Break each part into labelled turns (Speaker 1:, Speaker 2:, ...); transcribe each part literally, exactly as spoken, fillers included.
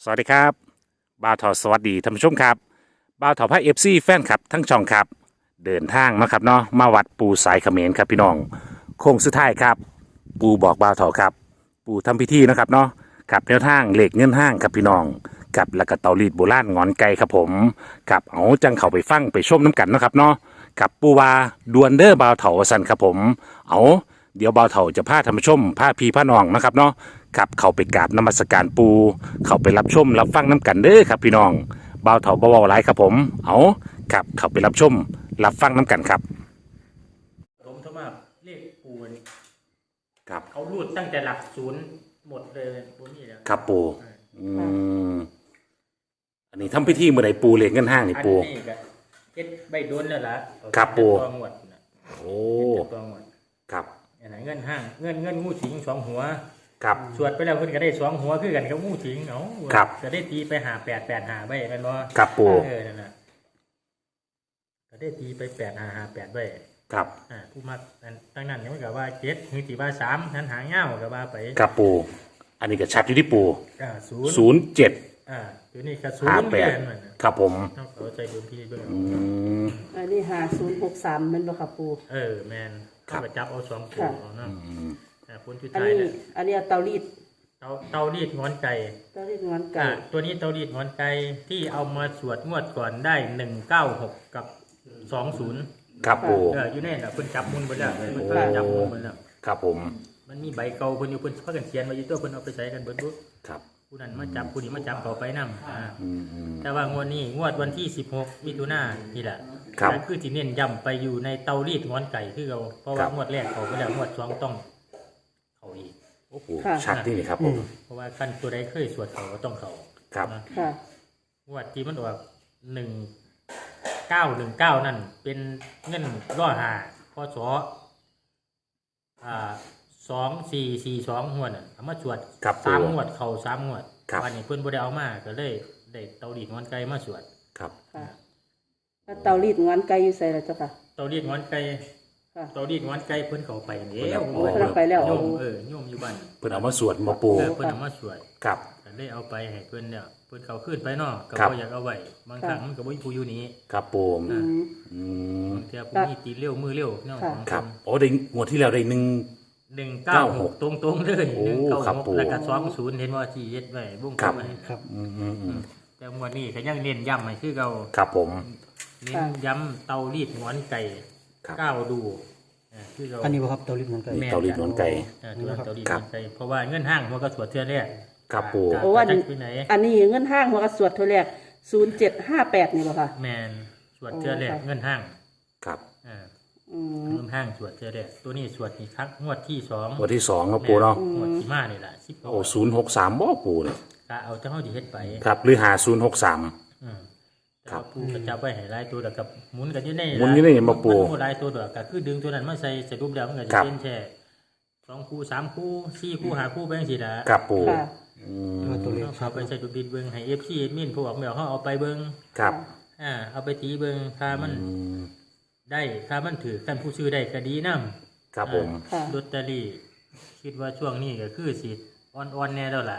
Speaker 1: สวัสดีครับบ่าวทอสวัสดีท่านผู้ชมครับบ่าวทอพระเอฟซีแฟนคลับทั้งช่องครับเดินทางมาครับเนาะมาวัดปูสายเขมรครับพี่น้องโค้งสุดท้ายครับปูบอกบ่าวทอครับปูทำพิธีนะครับเนาะกับแนวทางเหล็กเงินห้างครับพี่น้องกับแล้วก็เตารีดโบราณงอนไก่ครับผมกับเอาจังเข้าไปฟังไปชมน้ำกันเนาะครับเนาะกับปูวาดวนเดอร์บ่าวเถาสันครับผมเอาเดี๋ยวบ่าวเถาจะพาท่านผู้ชมพาพี่พาน้องนะครับเนาะขับเข้าไปกราบนมัสการปูเข้าไปรับชมรับฟังน้ำกันเด้อครับพี่น้องบ่าวเถาบ่าวไรครับผมเอาขับเข้าไปรับชมรับฟังน้ำกันครับ
Speaker 2: ผมทมาเลขปูน
Speaker 1: ครับ
Speaker 2: เขารูดตั้งแต่หลักศูนย์หมดเลยปูนี่แล้ว
Speaker 1: ครับปูอืมอันนี้ทำพิธีเมื่อไหร่ปูเหล็กเงินห้างนี่ปู
Speaker 2: อันนี้ก็เจ็ดใบโดนแล้วล่ะ
Speaker 1: ครับปู
Speaker 2: ตัวหมด
Speaker 1: โอ้
Speaker 2: ตัวหมด
Speaker 1: ครับ
Speaker 2: อันไหนเงินห้างเงินเงินงูสิงสองหัว
Speaker 1: ครับ
Speaker 2: สวดไปแล้วเพิ่นก็ได้สองหัวคือกันกับงูสิงเนาะจะได้ตีไปหาแปดแปดหาใบกันบ่
Speaker 1: ครับปู
Speaker 2: เออนั่นน่ะก็ได้ตีไปแปดหาหาแปดใบ
Speaker 1: ครับ
Speaker 2: อ่าผู้มักตั้งนั้นมันก็ว่าเจ็ดหรือตีว่าสามนั้นหางเงาก็ว่าไป
Speaker 1: ครับปูอันนี้ก็ชัดอยู่ที่ปู
Speaker 2: อ่าศูนย์
Speaker 1: ศูนย์เจ็ด
Speaker 2: อ่าตัวนี้ก็ศูนย์แปด
Speaker 1: ครับผม
Speaker 2: ต้องเข้าใจดูพี่เบิ่ง
Speaker 3: อันนี้หาศูนย์หกสามมันบ่ครับปู
Speaker 2: เออแมนเข้าไปจับเอาสองตัวเอาเนาะอ่าคนชุด
Speaker 3: อัน
Speaker 2: ไทย
Speaker 3: นี้
Speaker 2: เนี่ย
Speaker 3: อันนี้เตารีด
Speaker 2: เตาเตารีดงอนไก่
Speaker 3: เตารีดงอนไก่
Speaker 2: อ่าตัวนี้เตารีดงอนไก่ที่เอามาสวดงวดก่อนได้หนึ่งเก้าหกกับสองศูนย์
Speaker 1: ครับปู
Speaker 2: เอออยู่แน่น่ะเพิ่นจับมุนไปแล้วเพิ่นจับมุนไปแล้ว
Speaker 1: ครับผม
Speaker 2: มันมีใบเก่าเพิ่นอยู่เพิ่นพากันเขียนไว้อยู่ตัวเพิ่นเอาไปใช้กันเบิดบุ๊
Speaker 1: ครับ
Speaker 2: ผู้นั้นมาจับผู้นี้มาจับเขาไปนำอ่าแต่ว่างวดนี้งวดวันที่สิบหกมิถุนายนนี่แหละนั่นคือที่เน้นย้ำไปอยู่ในเตารีดงอนไก่คือเราเพราะว่างวดแรกเขาไปแล้วงวดสองต้องเขาอีก
Speaker 1: โอ้โหชัดนี่ครับผม
Speaker 2: เพราะว่าขั้นตัวใดเคยสวดเขาก็ต้องเขา
Speaker 1: ครับ
Speaker 3: ค่ะ
Speaker 2: งวดที่มันออกหนึ่งเก้าหนึ่งเก้านั่นเป็นเงินร้อยห้าพศอ่าสองสี่สี่สองงวดน่ะเอามาสวดสามงวดเขาสามงวดวันนี้เพิ่นบ่ได้เอามาก็เลยได้เตารีดงอนไก่มาสวด
Speaker 1: ครับ
Speaker 3: ค่ะแล้วเตารีดงอนไก่อยู่ใส่แล้วเจ้าค่ะ
Speaker 2: เตารีดงอนไก่เตารีดงอนไก่เพิ่นเข้าไปแล้ว
Speaker 3: เพิ่นไปแล้ว
Speaker 2: โยมเออโยมอยู่บ้าน
Speaker 1: เพิ่นเอามาสวดมาปู
Speaker 2: เพิ่นเอามาสวด
Speaker 1: ครับ
Speaker 2: ก็ได้เอาไปให้เพิ่นเนี่ยเพิ่นเขาขึ้นไปเนาะก็บ่อยากเอาไว้บางครั้งมันก็บ่มีผู้อยู่นี้
Speaker 1: ครับปู
Speaker 2: อืมอืมบางทีผู้มีตีเร็วมือเร็วเนาะ
Speaker 1: ครับโอ้ได้งวดที่แล้วได้หนึ่ง
Speaker 2: หนึ่งเก้าหกตรงๆเลยหนึ่งเก้าหกแล้วก็สองศูนย์เห็นว่าที่เฮ็ดไว้บุ้งครับ
Speaker 1: ครับอืมๆ
Speaker 2: แต่วันนี้ก็ยังเน้นย้ำให้คือเก่า
Speaker 1: ครับผม
Speaker 2: เน้นย้ำเตารีดงอนไก่ก้าวดู
Speaker 4: คือเราอันนี้บ่ครับเตารีดงอนไก่
Speaker 1: เตารีดงอนไก่
Speaker 2: อ่าตัวเตารีดงอนไก่เพราะว่าเงินห้างมันก็สวดเทื่อแรก
Speaker 1: ครับปู่
Speaker 3: เพราะว่าอันนี้เงินห้างมันก็สวดเทื่อแรกศูนย์เจ็ดห้าแปดนี่บ่ค่ะ
Speaker 2: แม่นสวดเทื่อแรกเงินห้าง
Speaker 1: ครับ
Speaker 2: อ่าเงินห้างสวดเทื่อแรกตัวนี้สวดอีกครั้งงวดที่สอง
Speaker 1: งวดที่สองครับปู่เนาะ
Speaker 2: งวดที่มานี่ล่ะสิบ
Speaker 1: โอ้ศูนย์หกสามบ่ปู่เนี่ย
Speaker 2: ก็เอาจังเฮาสิเฮ็ดไป
Speaker 1: ครับหรือหาศูนย์หกสาม
Speaker 2: อืมครับปู่ก็จับไว้ให้หลายตัวแล้วก็หมุนกันอยู่ใน
Speaker 1: หมุนอยู่ในบ่ปู่
Speaker 2: มันหลายตัวด้วยก็คือดึงตัวนั้นมาใส่สรุปแล้วมันก็จะเป็นแค่สองคู่สามคู่สี่คู่ห้าคู่ไปจังซี่ล่ะ
Speaker 1: ครับปู่
Speaker 2: อืมตัวเลขเอาไปใส่ดูบิดเบิ่งให้ เอฟ ซี แอดมินพวกแมวเฮาเอาไปเบิ่ง
Speaker 1: ครับ
Speaker 2: อ่าเอาไปตีเบิ่งถ้ามันได้ถ้ามันถือกันผู้ซื้อได้ก็ดีนำ
Speaker 1: ครับผม
Speaker 2: ลอตเตอรี่คิดว่าช่วงนี้ก็คือสิอ่อนๆแน่แล้วล่ะ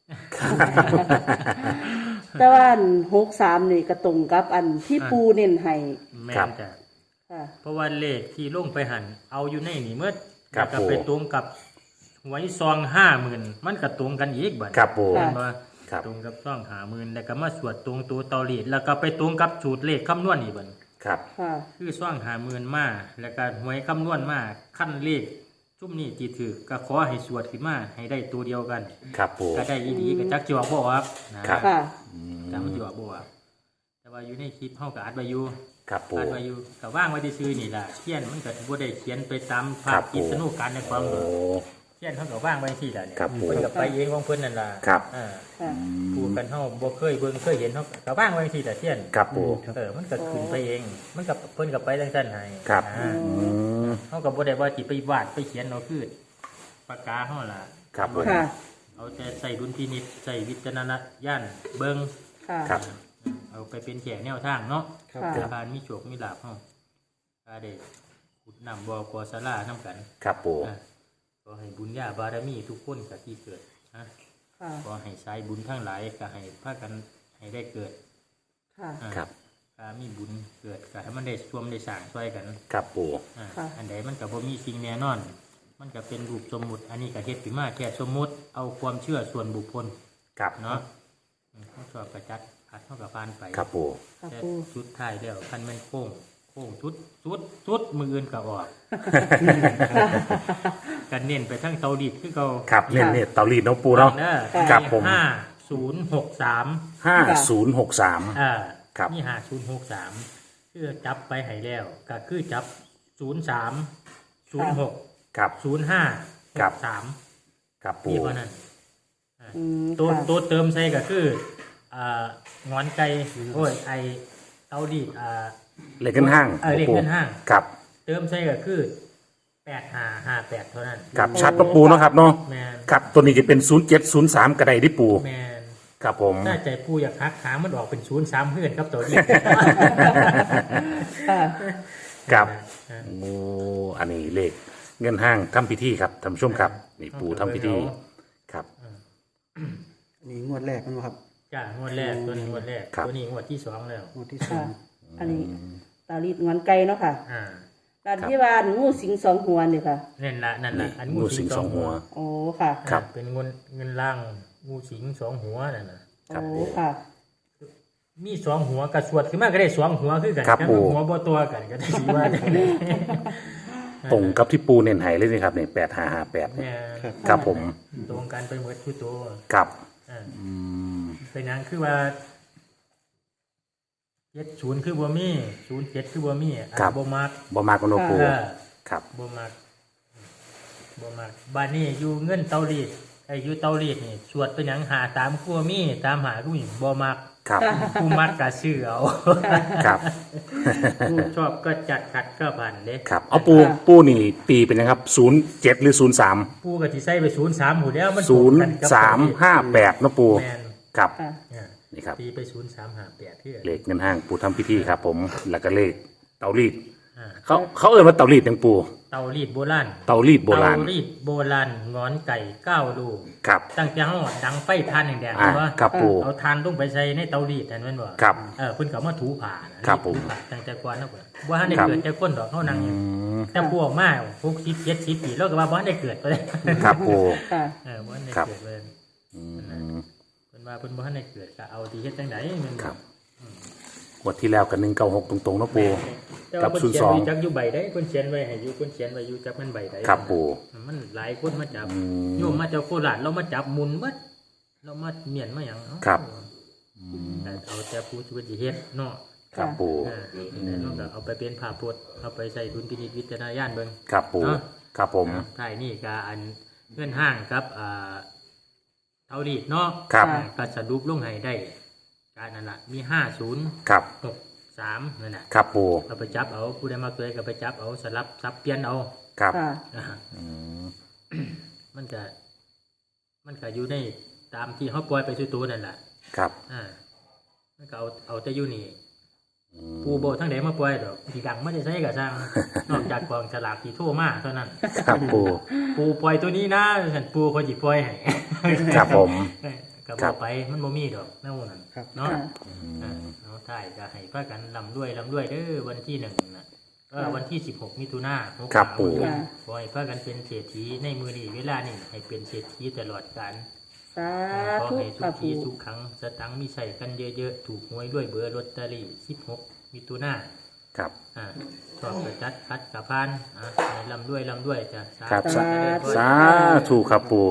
Speaker 3: แต่ว่าหกสามนี่ก็ตรงกับอันที่ปูเน้นให้
Speaker 2: แม่นจ้ะเพราะว่าเลขที่ลงไปหั่นเอาอยู่ในนี่เมื่อก็ไปตรงกับหวยซองห้าหมื่นมันก็ตรงกันอีกบัด
Speaker 1: ครับผม
Speaker 2: ตรงกับซองห้าหมื่นแล้วก็มาสวดตรงตัวเตารีดแล้วก็ไปตรงกับสูตรเลขคำนวณอีกบัด
Speaker 1: ครับ
Speaker 2: คือซองห้าหมื่นมาแล้วก็หวยคำนวณมาขั้นเลขจุ่มนี่ที่ถือก็ขอให้สวดขึ้นมาให้ได้ตัวเดียวกัน
Speaker 1: ครับผม
Speaker 2: ก็ได้อีดีก็จักจิว่าบ่ออกนะครับจักมันจิว่าบ่ออกแต่ว่าอยู่ในคลิปเฮาก็อัดไว้อยู่
Speaker 1: ครับผม
Speaker 2: อัดไว้อยู่ก็ว่างไว้ซื่อๆนี่ล่ะเขียนมันก็บ่ได้เขียนไปตามภาพกิจนุการในความเขียนเฮาก็ว่างไว้ที่ล่ะเนี่ยเพิ่นก็ไปเองของเพิ่นนั่นล่ะอ่าผู้กันเฮาบ่เคยเบิ่งเคยเห็นเฮาก็ว่างไว้ที่ล่ะเขียน
Speaker 1: ครับผม
Speaker 2: เออมันก็ขึ้นไปเองมันก็เพิ่นก็ไปจังซั่นให้
Speaker 1: ครับ
Speaker 2: อ่าเฮาก็บ่ได้ว่าสิไปวาดไปเขียนเอาคือปากกาเฮาล่ะ
Speaker 1: ครับผม
Speaker 2: เอาแต่ใส่ดุลพินิจใส่วิจารณญาณเบิ่ง
Speaker 1: ครับ
Speaker 2: เอาไปเป็นแก่แนวทางเนาะการมีโชคมีลาภเฮาก็ได้ขุดน้ำบ่อกอศาลานำกัน
Speaker 1: ครับปู่
Speaker 2: ขอให้บุญญาบารมีทุกคนก็ที่เกิดนะ
Speaker 3: ค่ะ
Speaker 2: ขอให้สายบุญทั้งหลายก็ให้พากันให้ได้เกิด
Speaker 3: ค่ะ
Speaker 2: อ่า
Speaker 1: ครับ
Speaker 2: ถ้ามีบุญเกิดก็ให้มันได้ร่วมได้สร้างช่วยกัน
Speaker 1: ครับปู
Speaker 2: อ่า
Speaker 3: ค่ะ
Speaker 2: อันใดมันก็บ่มีสิ่งแน่นอน มันก็เป็นรูปสมมุติ อันนี้ก็เฮ็ดขึ้นมาแค่สมมุติเอาความเชื่อส่วนบุคคล
Speaker 1: ครับ
Speaker 2: เนาะอืมเขาชอบประจัดอัดเท่ากับพานไป
Speaker 1: ครับปู
Speaker 3: ค่ะ
Speaker 2: แต่
Speaker 3: ปู
Speaker 2: ชุดท้ายแล้วคันแม่นโค้งโค้งชุดชุดชุดมืออื่นก็ออกกันเน้นไปทั้งเตาดิบคือเขา
Speaker 1: ครับเนี่ยเนี่ยเตารีดเน้องปูเนาะ ครับผม
Speaker 2: ห้าศูนย์หกสาม
Speaker 1: ห้าศูนย์หกสาม
Speaker 2: อ่า
Speaker 1: ครับ
Speaker 2: นี่ห้าศูนย์หกสามคือจับไปให้แล้วก็คือจับศูนย์สามศูนย์หก
Speaker 1: ครับ
Speaker 2: ศูนย์ห้าห
Speaker 1: ครับ
Speaker 2: กสาม
Speaker 1: ครับปู
Speaker 2: นี่เพราะนั้น
Speaker 3: อืม
Speaker 2: ตัว
Speaker 3: ค่ะ
Speaker 2: ตัวเติมใส่ก็คืออ่างอนไก่โอ้ยไอเตาดีดอ่า
Speaker 1: เหล็กเงินห้าง
Speaker 2: เออเหล็กเงินห้าง
Speaker 1: ครับ
Speaker 2: เติมใส่ก็คือแปดห้าห้าแปดเท่านั้น
Speaker 1: ครับชัดเนาะปูเนาะครับเนาะ
Speaker 2: แมน
Speaker 1: ครับตัวนี้จะเป็นศูนย์เจ็ดศูนย์สามกระไดที่ปู
Speaker 2: แมน
Speaker 1: ครับผม
Speaker 2: ถ้าใจปูอยากหักขามันออกเป็นศูนย์สามเพื่อนครับตัวนี้
Speaker 3: ค่ะ
Speaker 1: ครับ
Speaker 2: อ่า
Speaker 1: โอ้อันนี้เลขเงินห้างทำพิธีครับท่านผู้ชมครับนี่ปูทำพิธีครับ
Speaker 4: อันนี้งวดแรกมันบ่ครับ
Speaker 2: จ้างวดแรกตัวนี้งวดแรก
Speaker 1: ครับ
Speaker 2: ตัวนี้งวดที่สองแล้ว
Speaker 4: งวดที่สอ
Speaker 3: ค่ะ
Speaker 4: ง
Speaker 3: อันนี้ตาลีดงอนไก่เนาะค่ะ
Speaker 2: อ่า
Speaker 3: ด้านที่ว่างูสิงสองหัวเนี่ยค่ะ
Speaker 2: นั่นละนั่นละอัน
Speaker 1: งูสิงสองหัว
Speaker 3: โอ้ค่ะ
Speaker 1: ครับ
Speaker 2: อ่าเป็นเงินเงินล่างงูสิงสองหัวนั่นนะ
Speaker 1: ครับ
Speaker 3: โอ้ค่ะ
Speaker 2: มีสองหัวกับสวดขึ้นมาก็ได้สองหัวคือกัน
Speaker 1: ครับ
Speaker 2: แต่
Speaker 1: ปู่
Speaker 2: หัวบ่ตัวกันก็ได้สิว่าจังได๋
Speaker 1: ตรงกับที่ปูเน้นไห้เลยนี่ครับเนี่ยแปดห้าห้าแปด
Speaker 2: เนี่ย
Speaker 1: ครับผม
Speaker 2: ตรงกันไปหมดทุกตัว
Speaker 1: ครับ
Speaker 2: อ่า
Speaker 1: อืม
Speaker 2: เป็นหยังคือว่าเจ็ดศูนย์คือบ่มีศูนย์เจ็ดคือบ่มีอ่าบ่มัก
Speaker 1: บ่มากกว่าโนปู
Speaker 2: เออ
Speaker 1: ครับ
Speaker 2: บ่มักบ่มักบ้านนี้อยู่เงินเตารีดไอ้อยู่เตารีดนี่สวดเป็นหยังหาตามครัวมีตามหาผู้หญิงบ่มัก
Speaker 1: ครับ
Speaker 2: ผู้มักก็ซื้อเอา
Speaker 1: ครับ
Speaker 2: ผู้ชอบก็จัดขัดก็ผ่านเด้
Speaker 1: ครับเอาปูปูนี่ตีเป็นนะครับศูนย์เจ็ดหรือศูนย์สาม
Speaker 2: ผู้ก็สิใส่ไปศูนย์สามหูแล้วมัน
Speaker 1: ศูนย์
Speaker 2: ตรงกักับ
Speaker 1: สามห้าแปดนะปู
Speaker 2: แม่น
Speaker 1: ครับ
Speaker 3: ค่ะ
Speaker 2: เนี่ย
Speaker 1: นี่ครับ
Speaker 2: ตีไปศูนย์สามห้าแปดที่
Speaker 1: เลขเงินห้างปูทำพิธีครับ ผมแล้วก็เลขเตารีด
Speaker 2: อ่า
Speaker 1: เขาเขาเอ่ยว่าเตารีดยังปู
Speaker 2: เตารีดโบราณ
Speaker 1: เตารีดโบราณ
Speaker 2: เตารีดโบราณงอนไก่เก้าลูก
Speaker 1: ครับ
Speaker 2: ตั้งแต่เฮาดังไฟทานแดงๆ
Speaker 1: อ่า
Speaker 2: เห็นบ่
Speaker 1: ครับปู
Speaker 2: เอาทานลงไปใส่ในเตารีดนั่นแม่นบ่
Speaker 1: ครับ
Speaker 2: เออเพิ่นก็เอามาถูผ่านะครับ
Speaker 1: ผม
Speaker 2: ถูผ่าตั้งแต่ก่อนเนาะเพิ่นบ่ทันได้
Speaker 1: ครับ
Speaker 2: เกิดแต่คนดอกเฮานั่งอยู่
Speaker 1: อืม
Speaker 2: แต่พวกมาหกสิบ เจ็ดสิบปีแล้วก็ว่าบ่ทันได้เกิดไปเลย
Speaker 1: ครับปู
Speaker 3: ค่ะ
Speaker 2: เออบ่ทันได้
Speaker 1: ครับ
Speaker 2: เกิดเลย
Speaker 1: อืม
Speaker 2: เพิ่นว่าเพิ่นบ่ทันได้เกิดก็เอาที่เฮ็ดจังได๋แม่น
Speaker 1: ค
Speaker 2: บ่
Speaker 1: รับงวดที่แล้วกับหนึ่งเก้าหกตรงๆนะปู
Speaker 2: แต่
Speaker 1: กั
Speaker 2: ว่า
Speaker 1: บ
Speaker 2: เพิ่น
Speaker 1: ศูนย์
Speaker 2: เขีย
Speaker 1: ส
Speaker 2: น
Speaker 1: อง
Speaker 2: ไว้จักอยู่ใบใดเพิ่นเขียนไว้ให้อยู่เพิ่นเขียนไว้อยู่จักมันใบใด
Speaker 1: ครับปู
Speaker 2: มันหลายคนมาจับ
Speaker 1: อืม
Speaker 2: โยมมาจากโคราชเรามาจับหมุนเบิดเรามาเมียนมาหยังเอ้า
Speaker 1: ครับ
Speaker 2: แต่เอาแต่ผู้ชีวิตเฮ็ดเนาะ
Speaker 1: ครับปู
Speaker 2: อ่าแต่เราก็เอาไปเป็นภาพพจน์เอาไปใส่ดุลพินิจวิจารณญาณเบิ่ง
Speaker 1: ครับปู
Speaker 2: เนาะ
Speaker 1: ครับผม
Speaker 2: ท้ายนี่ก็อันเงื่อนห้างครับอ่าเท่าดีดเนาะ
Speaker 1: ครับ
Speaker 3: ค่ะ
Speaker 2: ก็สรุปลงให้ได้การนั่นล่ะมีห้าศูนย์
Speaker 1: ครับ
Speaker 2: หกสามนั่นน่ะ
Speaker 1: ครับปู
Speaker 2: เอาไปจับเอาผู้ใดมาเคยก็ไปจับเอาสลับซับเปลี่ยนเอา
Speaker 1: ครับ
Speaker 3: ค่ะ
Speaker 2: นะฮะ
Speaker 1: อืม
Speaker 2: มันก็มันก็อยู่ในตามที่เขาปล่อยไปสู่ตัวนั่นแหละ
Speaker 1: ครับ
Speaker 2: อ่ามันก็เอาเอาแต่อยู่นี่
Speaker 1: อืม
Speaker 2: ปูโบทั้งไหนมาปล่อยดอกที่ดังไม่ได้ใช้กับสร้าง นอกจากกองฉลากที่โทั่วมาเท่านั้น
Speaker 1: ครับปู
Speaker 2: ปูปล่อยตัวนี้นะฉันปูคนจีปล่อยให้
Speaker 1: ครับผม
Speaker 2: ก็
Speaker 1: ครับ บ
Speaker 2: ไปมันบ่มีดอกนั่นนั่น
Speaker 4: ครับ
Speaker 2: เนาะ
Speaker 3: ค่ะ
Speaker 2: อ่าเอาถ่ายก็ให้พากันลำด้วยลำด้วยเด้อวันที่หนึ่งนะก็วันที่สิบหกมิถุนาหก
Speaker 1: ครับ
Speaker 2: สาม
Speaker 1: ปู่
Speaker 3: ค่ะ
Speaker 2: ขอให้พากันเป็นเศรษฐีในมือนี้เวลานี่ให้เป็นเศรษฐีตลอดกาล
Speaker 3: สา
Speaker 2: ขอ
Speaker 3: ธุ
Speaker 2: ให้ทุ
Speaker 3: ค่ะ
Speaker 2: กที
Speaker 3: ปู
Speaker 2: ทุกครั้งสตังค์มีใส่กันเยอะๆ ถูกหวยด้วยเบอร์ลอตเตอรี่สิบหกมิถุนา
Speaker 1: ครับ
Speaker 2: อ่าชอบประจัดคัดกับพานอ่าให้ลำด้วยลำด้วยจ้ะสา
Speaker 1: ครับ
Speaker 2: ธุ
Speaker 3: สาธุ
Speaker 1: สาธุครับปู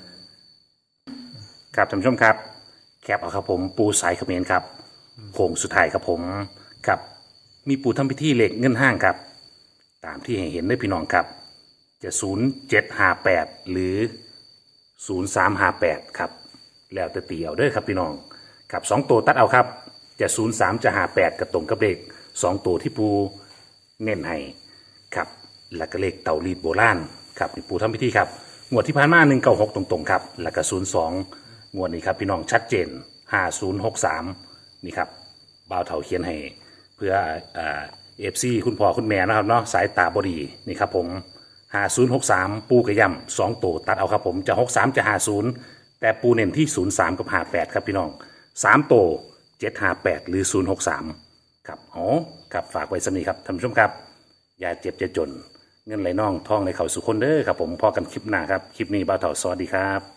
Speaker 1: ครับท่านผู้ชมครับ แคปเอาครับผมปูสายเขมรครับโค้งสุดท้ายครับผมครับมีปูทำพิธีเหล็กเงินห้างครับ ตามที่ให้เห็นได้พี่น้องครับ จะศูนย์เจ็ดห้าแปดหรือศูนย์สามห้าแปดครับ แล้วแต่ตีเอาเด้อครับพี่น้องครับสองตัวตัดเอาครับ จะศูนย์สามจะห้าแปดกับตรงกับเลขสองตัวที่ปูเน้นให้ครับแล้วก็เลขเตารีดโบราณครับนี่ปูทำพิธีครับงวดที่ผ่านมาหนึ่งเก้าหกตรงๆครับแล้วก็ศูนย์สองงวดนี้ครับพี่น้องชัดเจนห้าศูนย์หกสามนี่ครับบ่าวเถาเขียนให้เพื่อเอฟซีคุณพ่อคุณแม่นะครับเนาะสายตาบอดีนี่ครับผมห้าศูนย์หกสามปูกระยำสองตัวตัดเอาครับผมจะหกสามจะห้าศูนย์แต่ปูเน้นที่ศูนย์สามกับห้าแปดครับพี่น้องสามโตเจ็ดห้าแปดหรือศูนย์หกสามครับอ๋อครับฝากไว้สำนีครับท่านผู้ชมครับอย่าเจ็บจะจนเงินไหลน่องทองในเข่าสุขคนเด้อครับผมพอกันคลิปหน้าครับคลิปนี้บ่าวเถาสวัสดีครับ